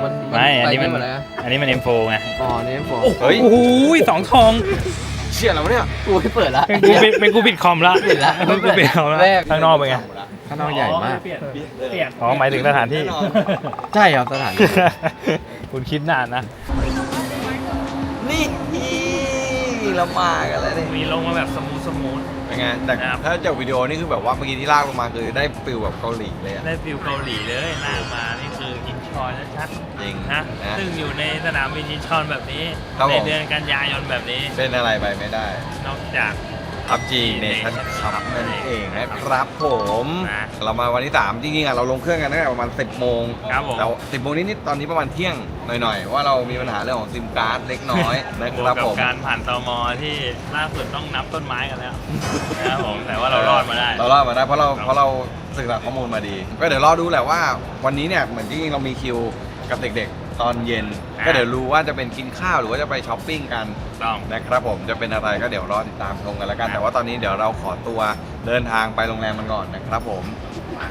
ไม่อันนี้มันไปได้หมดเลยนะอันนี้มัน M4 ไงอ๋อนี่ผมเฮ้ยโอ้โหสองทองเชี่ยแล้วเนี่ยกูไม่เปิดละเป็นกูปิดคอมละปิดละเป็นกูปิดคอมละแรกข้างนอกเป็นไงข้างนอกใหญ่มากเปลี่ยนอ๋อหมายถึงสถานที่ใช่ครับสถานที่คุณคิดนานนะนี่เรามากันแล้วนี่มีลงมาแบบสมูทเป็นไงแต่ครับถ้าจากวิดีโอนี่คือแบบว่าเมื่อกี้ที่ลากลงมาคือได้ฟิลแบบเกาหลีเลยอะได้ฟิลเกาหลีเลยหน้ามานี่คืออินชอนชัดจริงๆนะนะซึ่งอยู่ในสนามบินอินชอนแบบนี้ครับในผมเดือนกันยายนแบบนี้เป็นอะไรไปไม่ได้นอกจากพับจีเนชั่นคัพนั่นเองนะครับผมนะเรามาวันที่ 3 จริงๆอ่ะเราลงเครื่องกันตั้งแต่ประมาณ 10 โมงครับผมแล้ว10 โมงนิดๆตอนนี้ประมาณเที่ยงหน่อยๆ ว่าเรามีปัญหาเรื่องของซิมการ์ดเล็กน้อยนะบคว รับกกัผบมการผ่านตมที่ล่าสุดต้องนับต้นไม้กันแล้วนะครับผมแต่ว่าเรารอดมาได้เรารอดมาได้เพราะเราศึกษาข้อมูลมาดี ก็เดี๋ยวรอดูแหละว่าวันนี้เนี่ยเหมือนจริงๆเรามีคิวกับเด็กๆ ตอนเย็นอ่าก็เดี๋ยวรู้ว่าจะเป็นกินข้าวหรือว่าจะไปช้อปปิ้งกันต้องนะครับผมจะเป็นอะไรก็เดี๋ยวรอติดตามชมกันแล้วกันครับแต่ว่าตอนนี้เดี๋ยวเราขอตัวเดินทางไปโรงแรมมันก่อนนะครับผมมา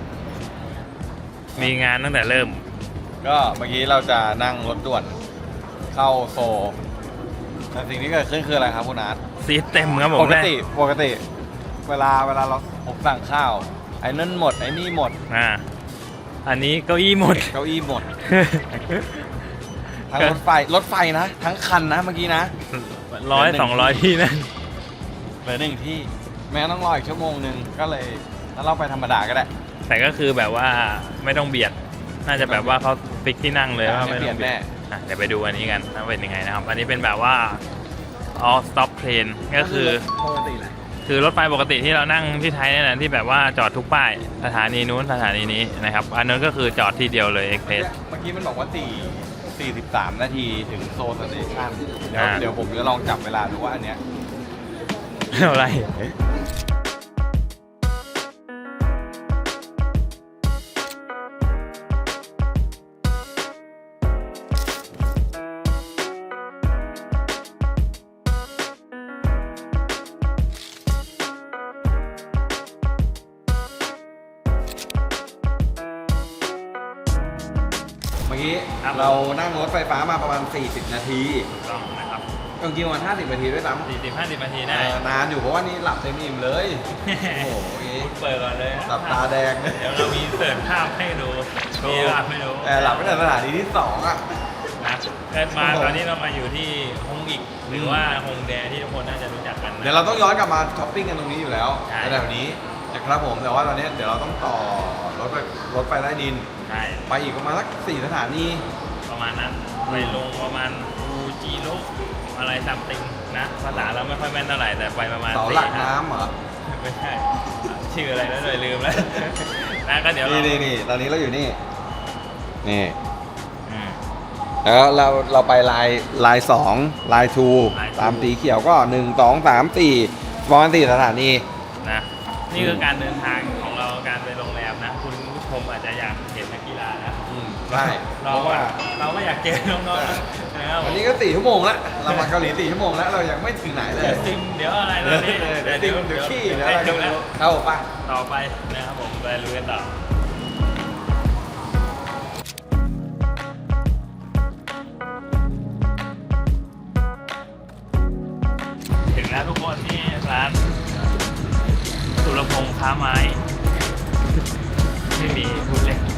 มีงานตั้งแต่เริ่มก็เมื่อกี้เราจะนั่งรถด่วนเข้าโซลแต่สิ่งที่เกิดขึ้นคืออะไรครับคุณอาร์ตซีทเต็มครับผมปกติเวลาเราผมสั่งข้าวไอ้นั่นหมดไอ้นี่หมดอันนี้เก้าอี้หมดเก้าอี้หมด ทั้งรถไฟนะ ทั้งคันนะเมื่อกี้นะ 100-200 ที่นั่นเหลือหนึ่งที่แม้ต้องรออีกชั่วโมงหนึ่งก็เลยถ้าเราไปธรรมดาก็ได้แต่ก็คือแบบว่าไม่ต้องเบียด น่าจะแบบว่าเขาฟิกที่นั่งเลยว่าไม่ไม่เบีต้ยอดงเบียแน่ดเดี๋ยวไปดูอันนี้กันว่าเป็นยังไงนะครับ อันนี้เป็นแบบว่า all stop train ก็คือปกติแหละคือรถไฟปกติที่เรานั่งที่ไทยเนี่ยนะที่แบบว่าจอดทุกป้ายสถานีนู้นสถานีนี้นะครับ อันนั้นก็คือจอดที่เดียวเลยเอ็กเพรสเมื่อกี้มันบอกว่า43 นาทีถึงโซลสเตชันเดี๋ยวผมจะลองจับเวลาดูว่าอันเนี้ยอะไรเมื่อกี้ครับเรานั่งรถไฟฟ้ามาประมาณ40 นาทีต้องนะครับจริงๆประมาณ50 นาทีด้วยซ้ำ 40-50 นาทีได้นานอยู่เพราะว่านี่หลับเต็มอิ่มเลย โอ้โหเปิดก่อนเลยหลับตาแดงเดี๋ยวเรามีเสิร์ฟภาพให้ดูมีภาพให้ดูหลับไม่แต่สถานีที่ 2 อ่ะนะเกิดมาตอนนี้เรามาอยู่ที่ฮงอีกหรือว่าฮงแดที่ทุกคนน่าจะรู้จักกันนะเดี๋ยวเราต้องย้อนกลับมาช้อปปิ้งกันตรงนี้อยู่แล้วใช่ในแบบนี้นะครับผม แต่ว่าตอนนี้เดี๋ยวเราต้องต่อรถไฟใต้ดินใช่ไปอีกประมาณสัก4 สถานีประมาณนั้นไปลงประมาณอูจิโร่อะไรซัมติงนะภาษาเราไม่ค่อยแม่นเท่าไหร่แต่ไปประมาณเสาหลัก 4-5 น้ำเหรอไม่ใช่ชื่ออะไรแล้วเลยลืมแล้ว นะก็เดี๋ยวเรานี่ตอนนี้เราอยู่นี่ นี่อืมแล้วเราไปลาย2ลายลาย 2ตามสีเขียวก็1 2 3 4ประมาณ4 สถานีนะนี่คือการเดินทางของเราการไปโรงแรมนะ คุณผู้ชมอาจจะอยากเห็นนักกีฬานะใช่เราเพราะว่าเราก็อยากเจอน้องๆนะนะครับวันนี้ก็4 ชั่วโมงแล้วเรามาเกาหลี4 ชั่วโมงแล้วเรายังไม่ถึงไหนเลยเดี๋ยวซิมเดี๋ยวอะไรตอนนี้เดี๋ยวซิมเดี๋ยวขี้เดี๋เดี๋ยยว วอะไรแล้วเข้าป่ะต่อไปนะครับผมไปลุยกันต่อถึงแล้วทุกคนที่ร้านสุรพงษ์ค้าไม้ ไม่มีพูดเล่น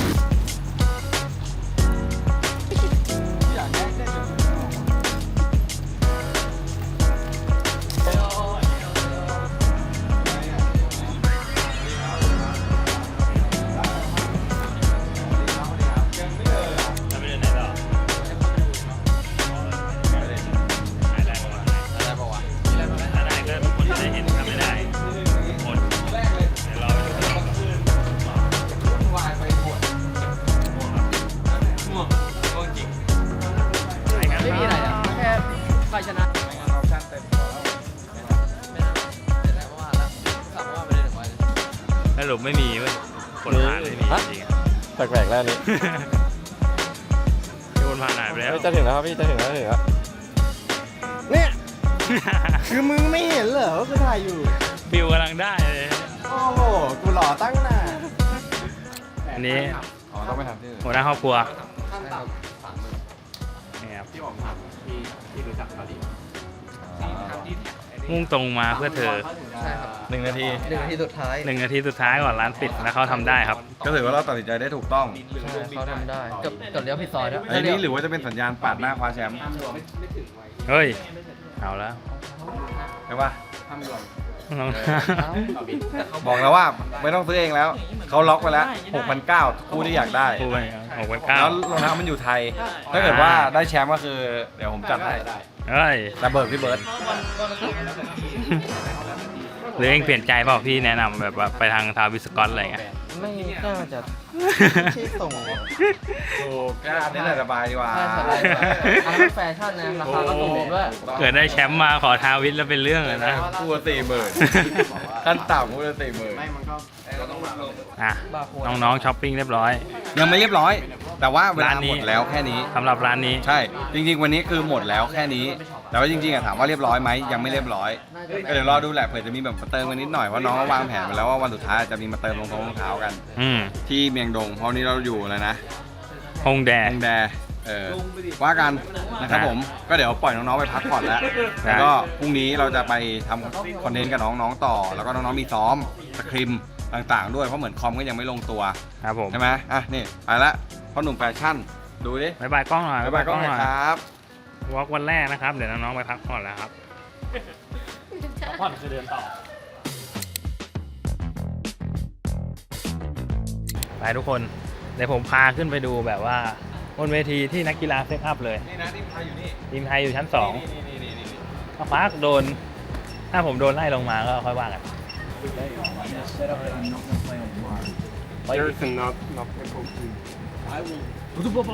จะไปเดินไหนต่อได้ปะวะถ้าได้ก็ทุกคนจะได้เห็นถ้าไม่ได้หมดเดี๋ยวรอไปดูกันง่วงจริงไปกันไม่มีอะไรอ่ะแค่ใครชนะไม่นะแต่ได้เพราะว่าแล้วสั่งว่าไม่ได้ถึงวันสรุปไม่มีเว้ยคนผ่านไม่มีจริงแปลกๆแล้วอันนี้ๆคนผ่านหายไปแล้วจะถึงแล้วครับพี่จะถึงแล้วเนี่ย คือมึงไม่เห็นเหรอว่ากูถ่ายอยู่ฟิวกำลังได้เลยโอ้โห กูหล่อตั้งนานอันนี้อ๋อต้องไปทำที่อื่นหัวหน้าครอบครัวนี่ครับมุ่งตรงมาเพื่อเธอใช่ครับ 1 นาที 1 นาทีสุดท้าย 1 นาทีสุดท้ายก่อนร้านปิดแล้วเขาทำได้ครับก็ถือว่าเราตัดสินใจได้ถูกต้องใช่เขาทำได้กับเลี้ยวผิดซอยด้วยไอ้นี่หรือว่าจะเป็นสัญญาณปาดหน้าคว้าแชมป์เฮ้ย เอาแล้วใช่ปะน้องบอกแล้วว่าไม่ต้องซื้อเองแล้ว เขาล็อกไปแล้ว 6,900คู่ที่อยากได้พูดไป6,900 แล้วรองเท้ามันอยู่ไทย ถ้าเกิดว่าได้แชมป์ก็คือ เดี๋ยวผมจัดให้เฮ้ยแต่เบิร์ดพี่เบิร์ดหรือเองเปลี่ยนใจเปล่าพี่แนะนำแบบว่าไปทางทาวิสกอตอะไรเงี้ยไม่น่าจะที่ส่งถูกก็อันนี้แหละสบายดีกว่าใช่สบายกว่าอันนั้นแฟชั่นนะราคาก็ถูกด้วยเกิดได้แชมป์มาขอทาวิสแล้วเป็นเรื่องเลยนะคู่ละ40,000ขั้นต่ำคู่ละ40,000 อ่ะน้องๆช้อปปิ้งเรียบร้อยยังไม่เรียบร้อย แต่ว่าเวลาร้านนี้หมดแล้วแค่นี้สำหรับร้านนี้ใช่ จริงๆ วันนี้คือหมดแล้วแค่นี้ แต่ว่าจริงๆอะถามว่าเรียบร้อยไหมยังไม่เรียบร้อย ก็เดี๋ยวรอดูแหละเผื่อจะมีแบบมาเติมกันนิดหน่อยเพราะน้องก็วางแผนไปแล้วว่าวันสุดท้ายจะมีมาเติมรองเท้ากันอืมที่เมียงดงเพราะวันนี้เราอยู่แล้วนะฮงแดฮงแดว่ากันนะครับผมก็เดี๋ยวปล่อยน้องๆไปพักก่อนแล้ว แล้วก็พรุ่งนี้เราจะไปทำคอนเทนต์กับน้องๆต่อ แล้วก็น้องๆมีซ้อมสคริมต่างๆ ด้วยเพราะเหมือนคอมก็ยังไม่ลงตัวครับผมใช่ไหมอ่ะนี่ไปละพ่อหนุ่มแฟชั่นดูดิบายบายกล้องหน่อยบ๊ายบายกล้องหน่อยครับวอล์กวันแรกนะครับ เดี๋ยวน้องๆไปพักผ่อนแล้วครับพักผ่อนคือเดินต่อ ไปทุกคน เดี๋ยวผมพาขึ้นไปดูแบบว่าบนเวทีที่นักกีฬาเซตอัพเลยนี่นะทีมไทยอยู่นี่ทีมไทยอยู่ชั้น 2 นี่ถ้าฟ้าโดน ถ้าผมโดนไล่ลงมาก็ค่อยว่ากัน There's not people to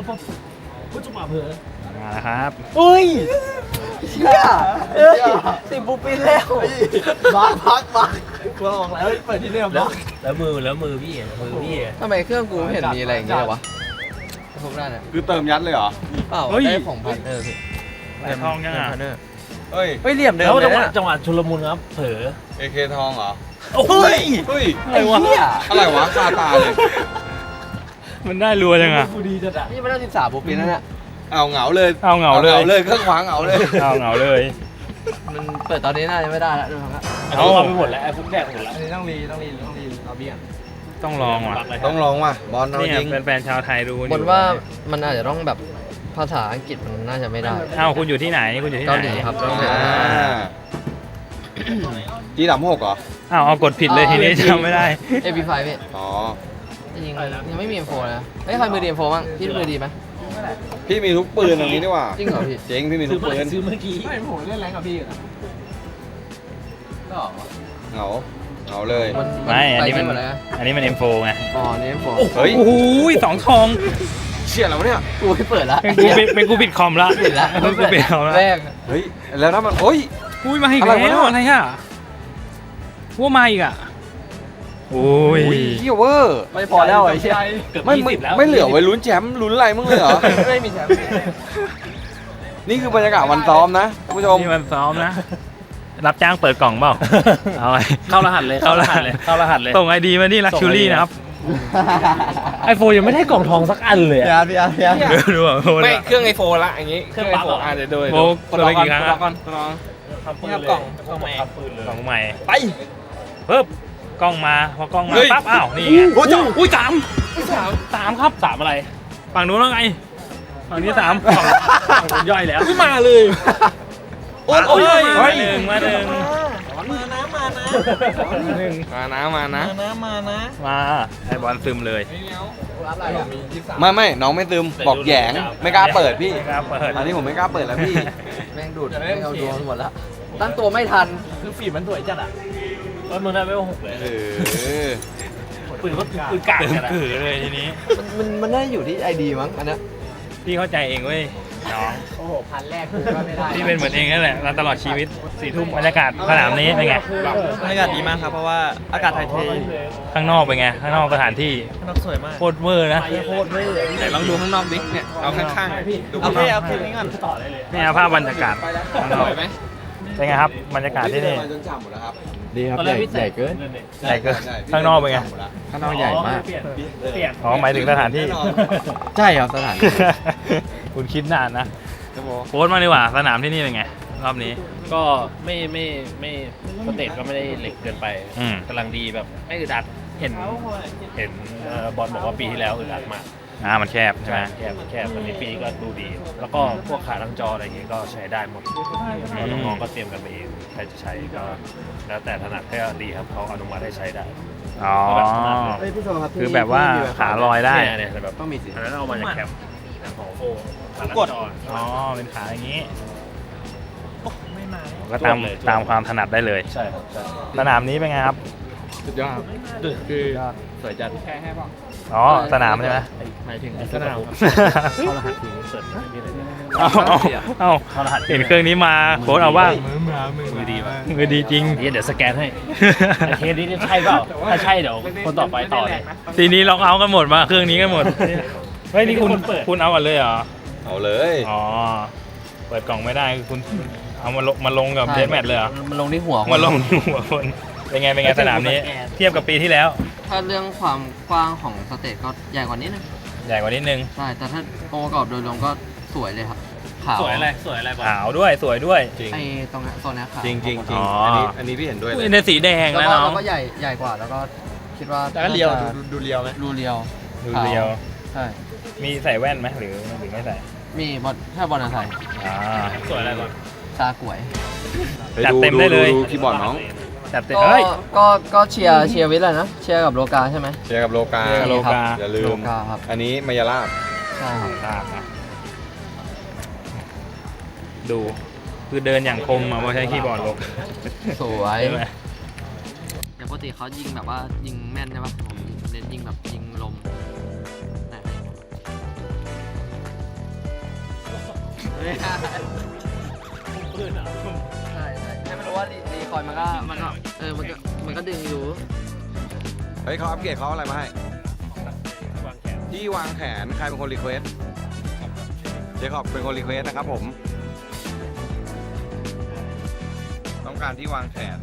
มาแล้วครับเฮ้ยเชี่ยสิบปูปินแล้วบักกูบอกแล้วเปิดที่นี่บักแล้วมือพี่ทำไมเครื่องกูไม่เห็นมีอะไรอย่างเงี้ยวะพวกนั้นอ่ะคือเติมยัดเลยเหรอเปล่าเฮ้ยได้ของพันเนอร์พี่ไหลทองยังอ่ะพันเนอร์เฮ้ยเฮ้ยเหลี่ยมเดิมแล้วเลยนะจังหวะชุลมุนครับเผลอ AK ทองเหรอโอ้ยเฮ้ยไอ้เหี้ยอะไรวะคาตาเลยมันได้รัวจังอ่ะกูดีจัดอะนี่ไม่ได้13ปูปินนั่นแหละเอาเหงาเลยเอาเหงาเลยเลยเครื่องขวางเหงาเลยเอาเหงาเลยมันเปิดตอนนี้น่าจะไม่ได้แล้วดูครับเอาไปหมดแล้วไอ้ฟุกแดกหมดแล้วอันนี้ต้องรีเอาเบี้ยต้องลองว่ะต้องลองว่ะบอลเอาเนี่ยจริงแฟนๆชาวไทยดูอยู่บนว่ามันอาจจะต้องแบบภาษาอังกฤษมันน่าจะไม่ได้เอ้าคุณอยู่ที่ไหนคุณอยู่ที่ไหนเกาหลีครับเกาหลี G36เหรออ้าวเอากดผิดเลยทีนี้จำไม่ได้ AP5 พี่อ๋อจริงๆยังไม่มี M4 นะเฮ้ยใครมือดี M4 บ้างพี่มือดีไหมพี่มีทุกปืนอย่างนี้ดีกว่าจริงเหรอพี่เจ๋งพี่มีทุกปืนซื้อเมื่อกี้ไม่ผมเล่นแรงกับพี่ก็เหงาเหงาเลยไม่อันนี้มันไปหมดเลยนะอันนี้มัน M4 ไงอ๋อนี่ M4 เฮ้ยโอ้โหสองทองเชี่ยแล้วเนี่ยกูไม่เปิดละเป็นกูปิดคอมละปิดละเป็นกูปิดคอมละแรกเฮ้ยแล้วถ้ามันโอ้ยอุ้ยมาอีกอะไรแล้ววะอะไรอ่ะว่ามาอีกอ่ะโอ้ยเฮียเวอร์ไม่พอแล้วไอ้เชี่ยเกือบไม่ 20แล้วไม่เหลือไว้ลุ้นแชมป์ลุ้นอะไรมึงเลยเหรอไม่มีแชมป์นี่คือบรรยากาศวันซ้อมนะคุณผู้ชมนี่มันซ้อมนะ รับจ้างเปิดกล่องเปล่า เอาไว้เข้ารหัสเลยเข้ารหัสเลยส่งไอดีมาที่ลักชูรี่นะครับไอโฟนยังไม่ได้กล่องทองสักอันเลยอะพี่อาร์ดูอ่ะโไม่เครื่องไอโฟนละอย่างงี้เครื่องปั๊บเหรอเดี๋ยวดูโบกดไปกี่ครั้งรออะก่อนรอนี่ครับกล่องใหม่กล่องใหม่ไปปึ๊บกล้องมาพอกล้องมาเฮ้ยปั๊บอ้าวนี่ไงโอ้ยอุ้ยสามครับ 3อะไรฝั่งนู้นว่าไงฝั่งนี้ฝั่งนู้นย่อยแล้วไม่มาเลยโอ้ยมาหนึ่งมาหนึ่งมานะมานะมาไอบอลซึมเลยไม่น้องไม่ซึมบอกแหยงไม่กล้าเปิดพี่ไม่กล้าเปิดอันนี้ผมไม่กล้าเปิดแล้วพี่แม่งดูดแม่งเอาดวงหมดละตั้งตัวไม่ทันคือฝีมันสวยจัดอะแล้วมึงได้ไม่หกเลยเออปืนก็ปืนกากเต็มจัดอะกือเลยทีนี้มันน่าอยู่ที่ไอดีมั้งอันนั้นพี่เข้าใจเองเว้ยน้องโอ้โหพันแรกกูก็ไม่ได้พี่เป็นเหมือนเองนั่นแหละมาตลอดชีวิต4 ทุ่มบรรยากาศสนามนี้เป็นไงบรรยากาศดีมากครับ เพราะว่าอากาศถ่ายเทข้างนอกเป็นไงข้างนอกสถานที่ข้างนอกสวยมากโคตรเวอร์นะโคตรเลยไหนลองดูข้างนอกดิเนี่ยเอาข้างๆดูเอาข้างนแค่อกเอาคลิปนี้ก่อนต่อได้เลยนี่เอาภาพบรรยากาศข้างนอกสวยไหมเป็นไงครับบรรยากาศที่นี่จนฉ่ำหมดแล้วครับดีครับตอนใหแรญ่กพี่ใหญ่เกินใหญ่เกินข้างนอกเป็นไงข้างนอกใหญ่มากเปลี่ยนอ๋อหมายถึงสถานที่ใช่ครับสถานที่คุณคิดนานนะโค้ชมาดีกว่าสนามที่นี่เป็นไง รอบนี้ก็ไม่สเตจก็ไม่ได้เหล็กเกินไปอืมกำลังดีแบบไม่อึดอัดเห็นบอลบอกว่าปีที่แล้วอึดอัดมากมันแคบใช่ไหมแคบตอนนี้ปีนี้ก็ดูดี แล้วก็พวกขาตั้งจออะไรอย่างเงี้ยก็ใช้ได้หมดแล้วน้องๆก็เตรียมกันไปเองใครจะใช้ก็แล้วแต่ถนัดแค่ดีครับเขาอนุมัติให้ใช้ได้อ๋อเฮ้ยพี่โซครับคือแบบว่าขาลอยได้เนี่ยแบบต้องมีสิอันนั้นเอามาจากแคมป์ของโฟขาตั้งจออ๋อ เป็นขาอย่างนี้ไม่มาก็ตามความถนัดได้เลยใช่ครับใช่สนามนี้เป็นไงครับสุดยอดคือสวยจัดอ๋อ สนามใช่ไหไหมหมายถึงสนามเข้ารหัสทีมเสิร์ชมีอะไรเนี่ยเอาเห็นเครื่องนี้มาโค้ชเอาบ้างมือดีป่ะมือดีจริงเดี๋ยวสแกนให้ไอเคสนี้ใช่เปล่าถ้าใช่เดี๋ยวคนต่อไปต่อเลยทีนี้ล็อกเอาท์กันหมดมาเครื่องนี้กันหมด เฮ้ยนี่คุณเอากันเลยเหรอเอาเลยอ๋อ เปิดกล่องไม่ได้คือคุณเอามาลงกับใช่เดสแมทเลยเหรอมันลงที่หัวมาลงที่หัวคน เป็นไงสนามนี้ เทียบกับปีที่แล้วถ้าเรื่องความกว้างของสเตจก็ใหญ่กว่านี้นึงใหญ่กว่านิดนึงใช่ แต่ถ้าองค์ประกอบโดยรวมก็สวยเลยครับขาวสวยอะไรบอลขาวด้วยสวยด้วยจริงไอ้ตรงนี้โซนนี้ขาวจริงจริงจริอ๋งออัอันนี้พี่เห็นด้วยเลอุ้ยยในสีแดงแล้วแล้วก็น้องแล้วก็ใหญ่กว่าแล้วก็คิดว่าแต่ก็เรียวน่าจะดูเรียวไหมดูเรียวดูเรียวใช่มีใส่แว่นไหมหรือไม่ใส่มีบอลถ้าบอลอะไรอ่าสวยอะไรบอลซากวยจัดเต็มได้เลยดูคีย์บอร์ดน้องจัดเต็มก็เฮ้ยก็เชียร์วิทย์เลยนะเชียร์กับโลกาใช่ไหมเจอกับโลกาเจอกับโลกาอย่าลืโลมกาครับอันนี้มายาลาบใช่ครับตามนะดูคือเดินอย่างคมอ่ะเพราะใช้คีย์บอร์ดลงสวยใช่ไหมอย่างปกติเขายิงแบบว่ายิงแม่นใช่ปะผมเน้นยิงแบบยิงลมไหนใช่ไม่รู้ว่ารีคอยมันก็มันก็ดึงอยู่เฮ้ยเขาอัปเกรดเขาเอาอะไรมาให้ ที่วางแขนใครเป็นคนรีเควสเจคอบเป็นคนรีเควสนะครับผม ต้องการที่วางแขน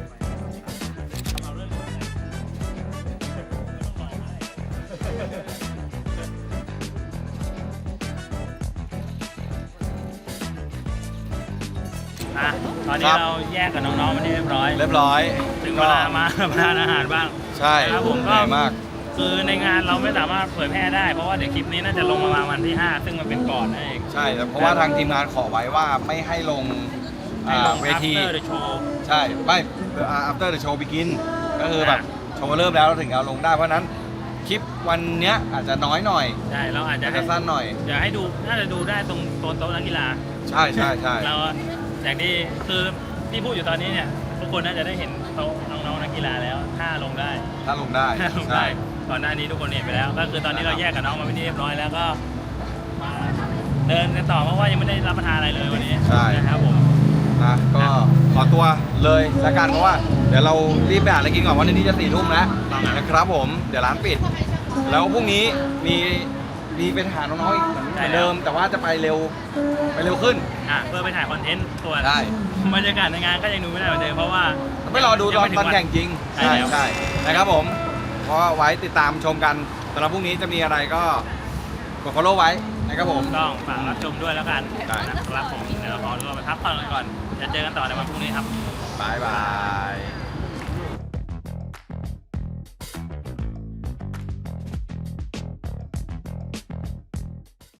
อ่ะตอนนี้ครับเราแยกกับน้องๆมาที่เรียบร้อยเรียบร้อยถึงเวลามาทานอาหารบ้างใช่ครับผมก็เหนื่อยมากคือในงานเราไม่สามารถเผยแพร่ได้เพราะว่าเดี๋ยวคลิปนี้น่าจะลงประมาณวันที่ 5 ซึ่งมันเป็นก่อนนั่นเองใช่แต่เพราะว่าทางทีมงานขอไว้ว่าไม่ให้ลงให้ลงเวที after the show ใช่ไม่ after the show begin ก็คือแบบโชว์เริ่มแล้วเราถึงเอาลงได้เพราะฉะนั้นคลิปวันเนี้ยอาจจะน้อยหน่อยใช่เราอาจจะอาจให้จะสั้นหน่อยเดี๋ยวให้ดูน่าจะดูได้ตรงโต๊ะนักกีฬาใช่ใช่ใช่เราอย่างที่คือที่พูดอยู่ตอนนี้เนี่ยทุกคนน่าจะได้เห็นโต๊ะน้องๆนักกีฬาแล้วถ้าลงได้ถ้าลงได้ถ้าลงใช่ได้ก่อนหน้านี้ทุกคนเห็นไปแล้ว ก็คือตอนนี้เราแยกกับน้องมาเป็นที่เรียบร้อยแล้วก็มาเดินกันต่อเพราะว่ายังไม่ได้รับประทานอะไรเลยวันนี้ใช่นะครับผมนะก็ขอตัวเลยแล้วกันเพราะว่าเดี๋ยวเรารีบไปหาอะไรกินก่อนวันนี้จะ4 ทุ่มแล้วนะครับผมเดี๋ยวร้านปิด แล้วพรุ่งนี้มีเป็นหาน้องๆอีกเหมือนเดิม แต่ว่าจะไปเร็วขึ้นเพื่อไปถ่ายคอนเทนต์ส่วนได้บรรยากาศในงานก็ยังดูไม่ได้เหมือนเดิมเพราะว่าไม่รอดูตอนยังไม่ถึแข่งจริงใช่แล้วใช่นะครับผมเพราะว่าไว้ติดตามชมกันสำหรับพรุ่งนี้จะมีอะไรก็กด follow ไว้นะครับผมต้องฝากรับชมด้วยแล้วกันได้นะครับผมเดี๋ยวเราขอตัวไปพักผ่อนกันก่อนจะเจอกันต่อในวันพรุ่งนี้ครับบายบาย